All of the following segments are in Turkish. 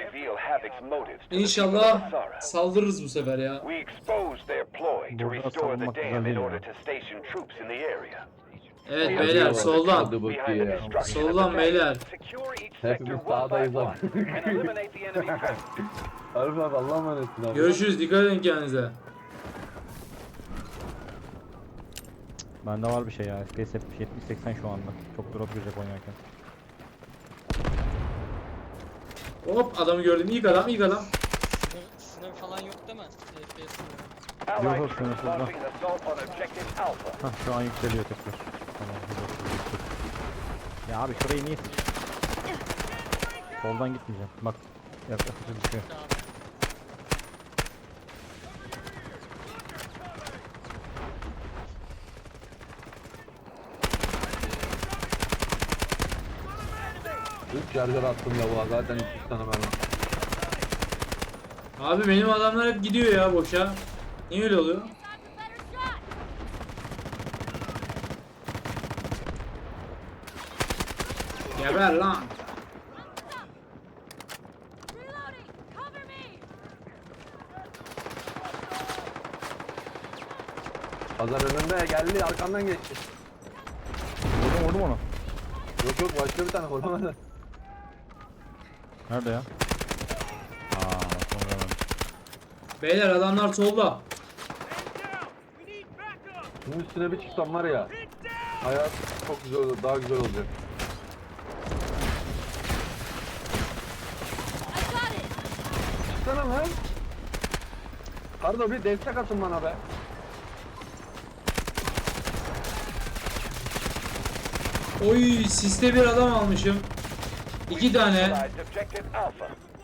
reveal Havoc's motives to the people of İnşallah Asara. saldırırız bu sefer ya. We exposed their ploy to Burada restore the savunmak güzel dam in değil order ya. to station troops in the area. Evet We beyler are soldan. Hadi behind the bakayım. destruction of the Soldan dam. beyler. Secure each sector Hepimiz one by sağdayız one abi. and eliminate the enemy presence. Arif abi Allah'a emanetsin abi. Görüşürüz, dikkat edin kendinize. Bende var bir şey ya. FPS 70-80 şu anda. Çok drop girecek oynarken. Hop adamı gördüm, ilk adam, ilk adam. Sınır falan yok değil mi? FPS sınırı. Allied Yok, troops sınırsız da. launching an assault on objective Alpha. Hah şu an yükseliyor tekrar. Tamam, yüksek. Ya abi şurayı niye soldan gitmeyeceğim. Bak yaklaşıkça düşüyor. Abi. Üç şarjör attım ya bu zaten 300 tane mermi. Abi benim adamlar hep gidiyor ya boşa. Niye öyle oluyor? Geber lan. Pazar önünde geldi arkandan geçti. Vurdum onu. Yok yok başka bir tane vuramadı. Nerede ya? Aa sonra Beyler adamlar solda. Bunun üstüne bir çıksam var ya. Hayat çok güzel olur, daha güzel olacak. Çıksana lan. Kardo bir destek atın bana be. Oy siste bir adam almışım. 2 tane. Neutralized objective Alpha.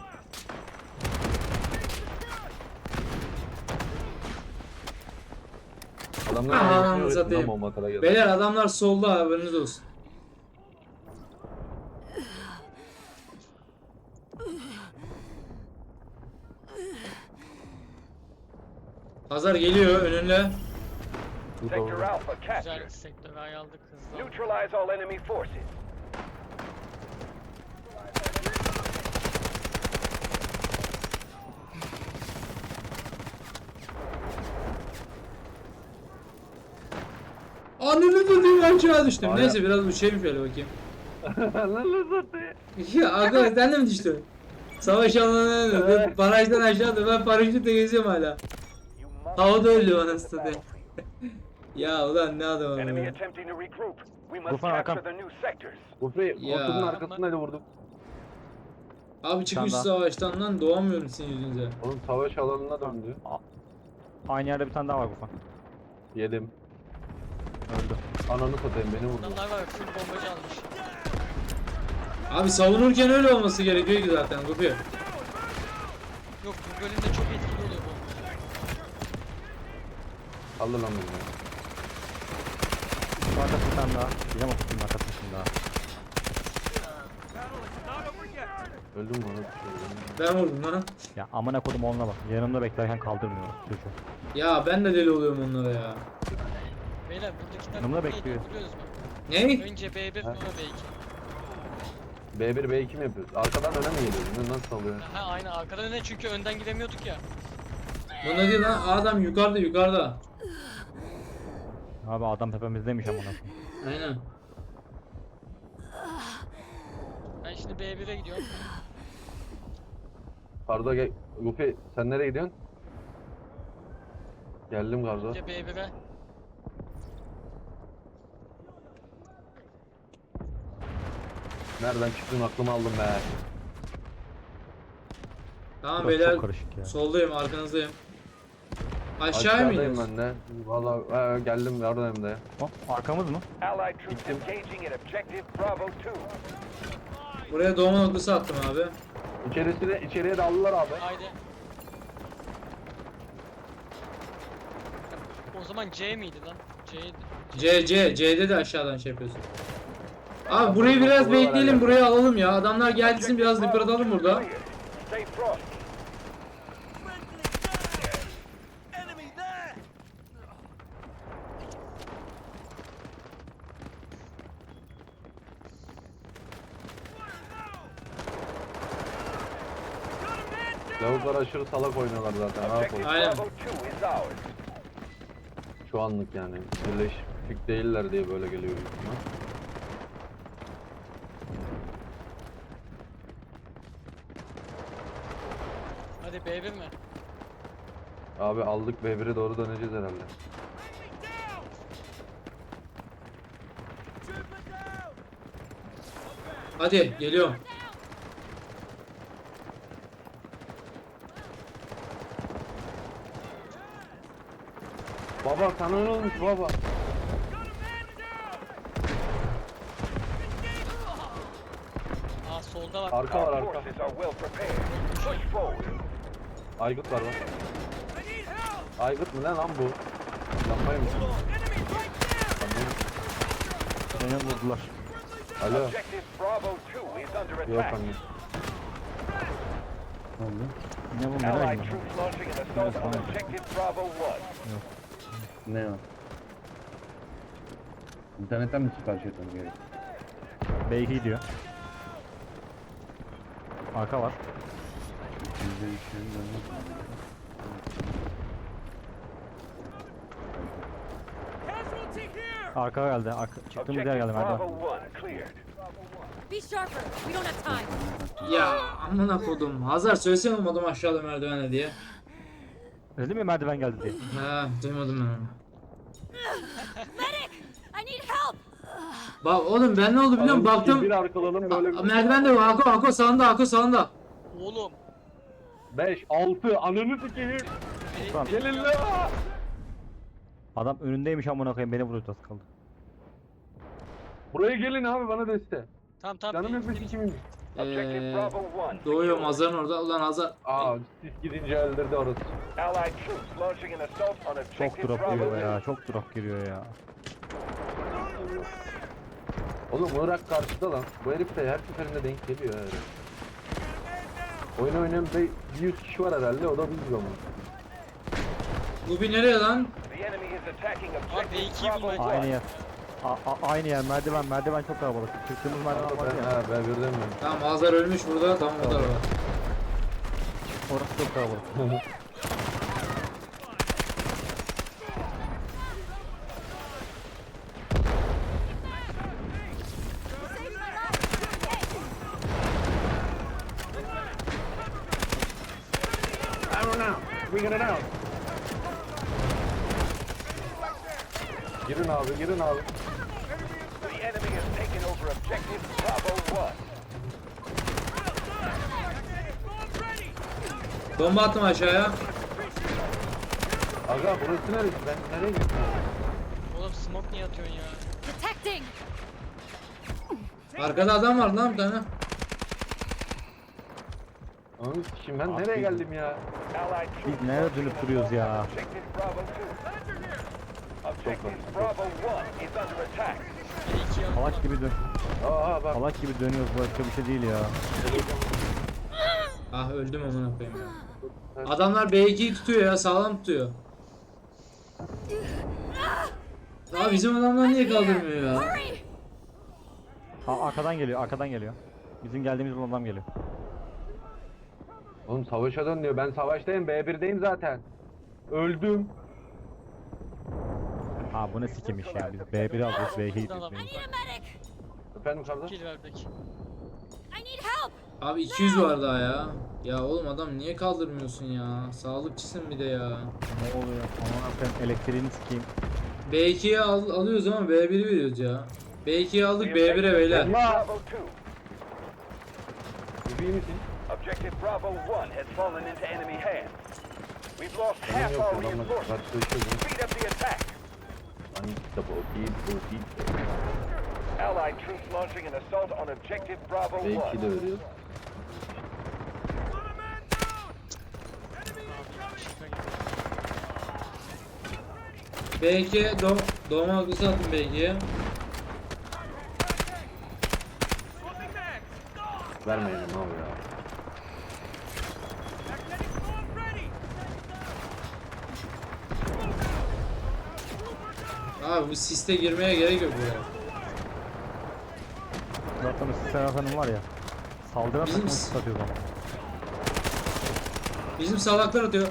Adamlar Aman arasını satayım. öğretin lan bomba kara geldi. Beyler adamlar solda, haberiniz olsun. Pazar geliyor önünde. Sector Alpha Güzel captured. sektörü aldık hızlı. Neutralize all enemy forces. Anını tutayım aşağı düştüm. Hala- Neyse biraz uçayım şöyle bakayım. Lan zaten. Ya arkadaş sen de mi düştün? Savaş alanına Evet. barajdan aşağıda ben paraşütle geziyorum hala. You must Havada öldü defend anasını the satayım. battlefield. Ya ulan ne adam Enemy ya. attempting to regroup. We must Tufan capture Hakan. the new sectors. Ufri Ya. koltuğun arkasındaydı vurdum. Abi çıkmış Sen de. savaştan lan doğamıyorum sizin yüzünüze. Oğlum savaş alanına döndü. aynı yerde bir tane daha var Gufan. Yedim. Öldü. Ananı satayım beni vurdu. Adamlar var full bombacı almış. Abi savunurken öyle olması gerekiyor ki zaten Gupi. Yok bu bölümde çok etkili oluyor bu. Aldı lan beni. Şu arkası bir tane daha. Bilmem o kutunun arkasında daha. Öldüm mü onu? Ben vurdum lan. Ya amına kodum onunla bak. Yanımda beklerken kaldırmıyor. Çocuğu. Ya ben de deli oluyorum onlara ya. Beyler buradakiler Yanımda neydi bekliyor. biliyoruz mu? Ne? Önce B1 sonra B2. B1 B2 mi yapıyoruz? Arkadan öne mi geliyoruz? Nasıl oluyor? Ha aynen arkadan öne çünkü önden gidemiyorduk ya. Bu ne diyor lan? Adam yukarıda yukarıda. Abi adam tepemizdeymiş amına koyayım. Aynen. Ben şimdi B1'e gidiyorum. Kardo gel. Gupi sen nereye gidiyorsun? Geldim Kardo. Önce B1'e. Nereden çıktın aklımı aldım be. Tamam Burası beyler. çok karışık ya. Soldayım arkanızdayım. Aşağıya mı Aşağıdayım iniyorsun? ben de. Valla geldim oradayım da. Hop arkamız mı? Allied troops engaging at objective Bravo 2. Buraya doğma noktası attım abi. İçeriye daldılar abi. Haydi. O zaman C miydi lan? C'ydi. C'de de aşağıdan şey yapıyorsun. Abi burayı biraz bekleyelim, burayı alalım ya. Adamlar gelsin biraz yıpratalım burada. Stay frosty. Lavuklar aşırı salak oynuyorlar zaten. Rahat ol. Objective Aynen. Bravo 2 is ours. Şu anlık yani. Birleşik değiller diye böyle geliyor büyük ihtimal. Hadi B1 mi? Abi aldık B1'e doğru döneceğiz herhalde. Hadi geliyorum. Baba sana ne olmuş baba? Aa solda var. Arka var Our arka. forces are well prepared. Push forward. Aygıt var bak. Aygıt mı ne lan bu? Yapmayın mı? Beni vurdular. Alo. Objective Bravo 2 is under Yok attack. anne. Ne oldu? Ne bu merak Allied ettim. troops launching an assault on Objective Bravo 1. Ne o? İnternetten mi sipariş etmem gerek? B2 diyor. Arka var. Bizde bir şey yok. Arka geldi. Arka, çıktığımız yer Objective geldi merdiven. Bravo 1 cleared. Be sharper. We don't have time. Ya amına kodum. Hazar söylesene oğlum adam aşağıda merdivene diye. Dedim ya merdiven geldi diye. Ha duymadım ben onu. Medic! I need help! Bak oğlum ben ne oldu biliyor musun? Baktım. Bir arkalalım böyle. Merdivende yok. Hako sağında Hako sağında. Oğlum. 5, 6, ananı sikeyim. Tamam. Gelin la. Adam önündeymiş amına koyayım beni vuruyor az kaldı. Buraya gelin abi bana deste. Tamam tamam. Canım yok bir sikimim. Objective Bravo 1. Doğuyorum Hazar'ın orada. Ulan Hazar. Aa sis gidince öldürdü orası. Allied troops launching an assault on Çok Objective drop Bravo giriyor 2. ya. Çok drop giriyor ya. Oğlum Irak karşıda lan. Bu herif de her seferinde denk geliyor yani. Oyun oynayan bir 100 kişi var herhalde, o da biz ama. Bu bir nereye lan? The enemy is attacking B2'yi Objective Bravo bulmaya 1. Aynı yer. Aynı yer merdiven çok kalabalık. Çıktığımız merdiven var ya. Ben birden mi? Tamam Hazar ölmüş burada. Tamam o da var. Orası çok kalabalık. Girin abi, girin abi. The enemy has taken over Objective Bravo 1. Bomba attım aşağıya. Aga burası neresi? Ben nereye gittim? Oğlum smoke niye atıyorsun ya? Detecting! Arkada adam var lan bir tane. Onun için ben Abi nereye biz- geldim ya? Allied troops Biz nereye launching dönüp an duruyoruz assault ya? on Objective Bravo 2. Objective Bravo 1 is under attack. B2'yi al. Salak gibi dön. Aa bak. Salak gibi dönüyoruz başka bir şey değil ya. Ah öldüm amına koyayım ya. Adamlar B2'yi tutuyor ya sağlam tutuyor. Ya bizim adamlar niye kaldırmıyor ya? Hurry! Arkadan geliyor. Bizim geldiğimiz yoldan adam geliyor. Oğlum savaşa dön diyor. Ben savaştayım, B1'deyim zaten. Öldüm. Ha bu ne sikimiş ya biz B1'i alacağız B2'yi Adam. diyoruz. I need a medic! Efendim kardeş? Kill verdik. I need help! Abi 200 var daha ya. Ya oğlum adam niye kaldırmıyorsun ya? Sağlıkçısın bir de ya. Ne oluyor? Aman sen elektriğini sikeyim. B2'yi alıyoruz ama B1'i veriyoruz ya. B2'yi aldık B1'e beyler. Objective Bravo 2. İyi misin? Objective Bravo 1 has fallen into enemy hands. We've lost Benim half yok our adamla reinforcements. karşılaşıyoruz. Speed up the attack. Hani double kill. Allied troops launching an assault on Objective Bravo 1. B2 de veriyor. B2'ye doğma hakkısı attım B2'ye. Vermeyelim abi ya. Abi bu siste girmeye gerek yok ya. Zaten o Serhat Hanım var ya. Saldıran Bizim takımı s- satıyor zaman. Bizim salaklar atıyor.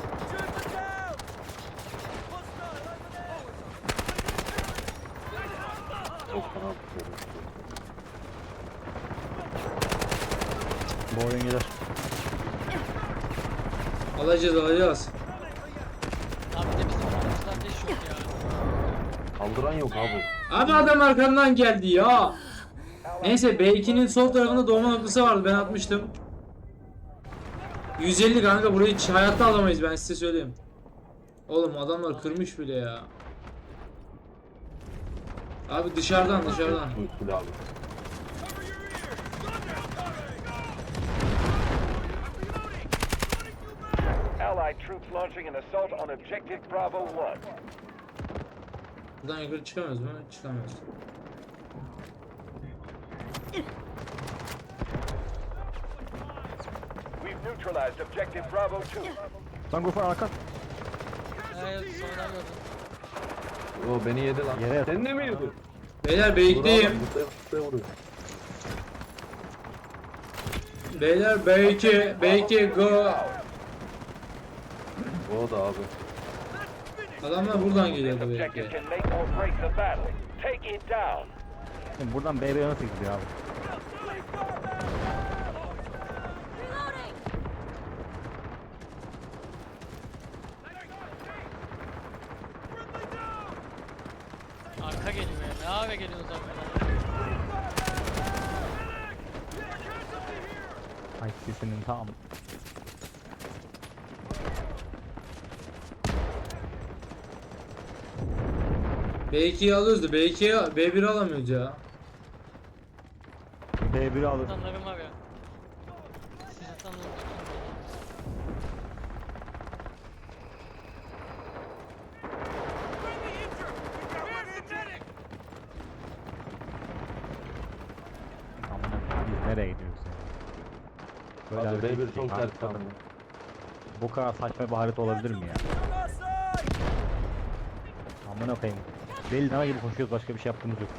Çok fena tutuyorum. Bu oyun gider. Alacağız. Abi de bizim aramızda ateş yok ya. Kaldıran yok abi. Abi adam arkamdan geldi ya. Neyse B2'nin sol tarafında doğma noktası vardı, ben atmıştım. 150 kanka, burayı hiç hayatta alamayız, ben size söyleyeyim. Oğlum adamlar kırmış bile ya. Abi dışarıdan. Bu usul abi. Allied troops launching an assault on objective Bravo 1. Buradan yukarı çıkamıyoruz mu? Çıkamıyoruz. We've neutralized objective Bravo 2. Lan Gufar arka. Evet sonradan gördüm. O beni yedi lan. Yere yat. Sen de mi yedin? Beyler B2'deyim. Buraya vuruyor. Beyler B2 go. O da abi. Adamlar buradan This geliyordu objective B2. can make or break the battle. Take it down. Şimdi buradan BB'ye nasıl gidiyor abi? Reloading! Arka geliyor ya. Ne abi geliyorsunuz arkadan? Ay sesinin tam. B2'yi alıyoruz da B1'i alamıyoruz ya. B1'i alır. Atanlarım var ya. Siz atanlarım. Amına biz nereye gidiyoruz ya? Böyle Abi hareket B1 değil, çok abi. ters kaldı. Bu kadar saçma bir harita olabilir mi ya? Amına koyayım. Deli dana gibi koşuyoruz, başka bir şey yaptığımız yok.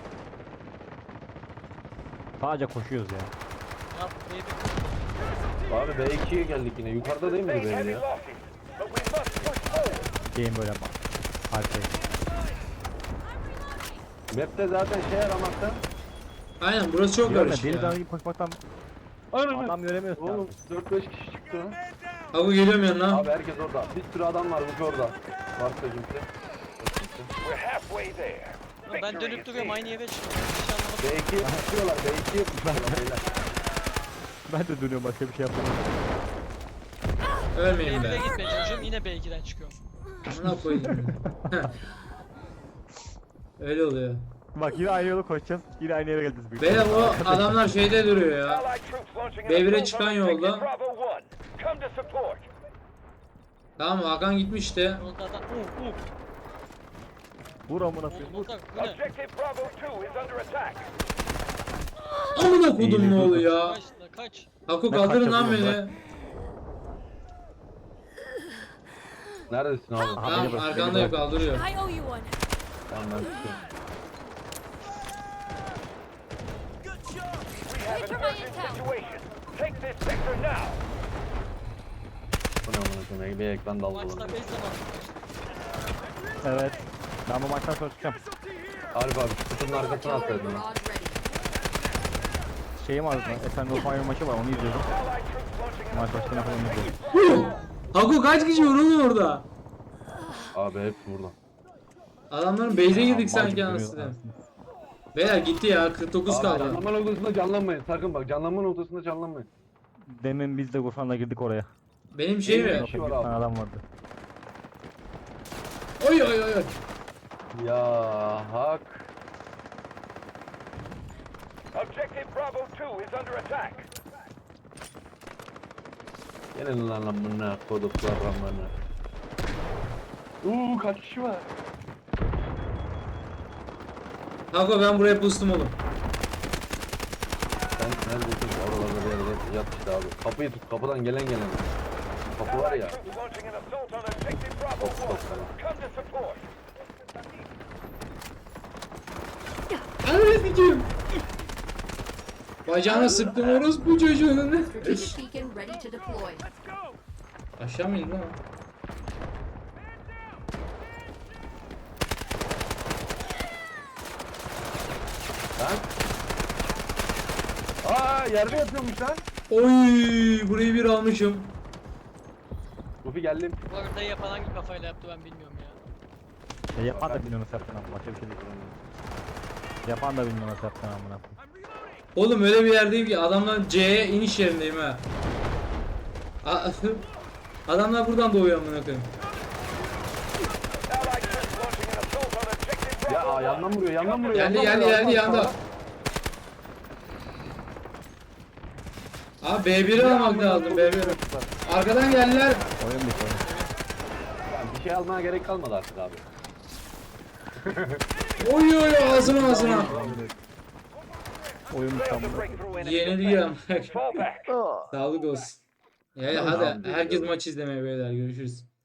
Sadece koşuyoruz ya. Ya baby. Abi B2'ye geldik yine. Yukarıda değil miydi Sustain benim heavy ya? losses, but we must push forward. Game böyle haritayı. Map'te zaten şey aramakta. Aynen, burası çok Diyorum ya, karışık deli dana ya. gibi koşmaktan Ananı. adam göremiyorsun Oğlum abi. 4-5 kişi çıktı ha. Abi geliyorum yanına. Abi herkes orada. Bir sürü adam var bu orada. Varsa kimse. We're halfway there. Ulan ben Victory dönüp is duruyorum near. aynı yere çıkıyorum. Hiç anlamadım. B2'ye tutuyorlar. B2'ye tutuyorlar beyler. Ben de dönüyorum, başka bir şey yapamıyorum. Ölmeyin B1'e be. gitmeye çalışıyorum yine B2'den çıkıyorum. Amına koyayım. Öyle oluyor. Bak yine aynı yolu koşacağız. Yine aynı yere geleceğiz. büyük Beyler ihtimalle. o adamlar şeyde duruyor ya. Allied troops launching an B1'e assault çıkan on yolda. objective Bravo 1. Come to support. Tamam, Hakan gitmişti. Yolda adam. Vur amına koyayım. Vur. Yolda bu ne? Objective Bravo 2 is under attack. Amına kodum ne oluyor ya? Kaç la kaç. Haku Ne kaldırın kaçacak lan oğlum, beni. bırak. Neredesin abi? Aha, beni Tamam, bırak, beni arkandayım, bırak. kaldırıyor. I owe you one. Tamam ben tutuyorum. We have Wait an for my urgent intel. situation. Take this sector now. Bu ne amına koyayım? Bir ekran daldı Maçta bana. 5 zaman. Evet. Ben bu maçtan sonra çıkacağım. Arif abi şu kutunun arkasına atsaydın lan. Şeyim var zaten. Efendi Osmanlı maçı var, onu izliyorum. Allied troops launching an Maç assault on başına falan objective izliyorum. Haku kaç kişi var oğlum orada? Abi hepsi burada. Adamların base'e girdik Mal sanki gibi anasını. duruyor. Beyler gitti ya, 49 Abi kaldı. canlanma noktasında canlanmayın. Sakın bak canlanma noktasında canlanmayın. Demin biz de Gurfan'la girdik oraya. Benim şey mi? Eyvah. Bir var abi. tane adam vardı. Oy oy oy oy. Ya hak. Objective Bravo 2 is under attack. Gelin lan amına koduklar amına. Kaç kişi var? Haku ben buraya pustum oğlum. Sen neredesin? Oralarda bir yerde yat işte abi. Kapıyı tut. Kapıdan gelen. Kapı var Allied ya. troops launching an assault on objective Bravo 1. Come to support. Ananı sikeyim. Bacağına sıktım orospu çocuğunu. Strategic beacon ready to deploy. Aşağı mı indi lan? Lan. Aa yerde yatıyormuş lan. Oy, burayı bir almışım. Rufi geldim. Bu haritayı yapan hangi kafayla yaptı ben bilmiyorum ya. Yapan da bilmiyor nasıl yaptığını ama başka bir şey değil. Yapan da bilmiyor nasıl yaptığını amına koyayım. Oğlum öyle bir yerdeyim ki adamlar C'ye iniş yerindeyim ha. Adamlar buradan doğuyor amına koyayım. Allied troops launching an assault on objective Ya Bravo 1. yandan vuruyor yandan vuruyor. Geldi yandan geldi vuruyor, geldi yandan yanda. vuruyor. Abi B1'i almak lazım B1'i. Arkadan geldiler. Oyun bitti oyun. Yani bir şey almaya gerek kalmadı artık abi. Oy oy ağzına ağzına. Oyun bitti Failed to amına. break through enemy Yeniliyor. defense. Fall back. Sağlık olsun. Ya hadi herkes maç izlemeye beyler görüşürüz.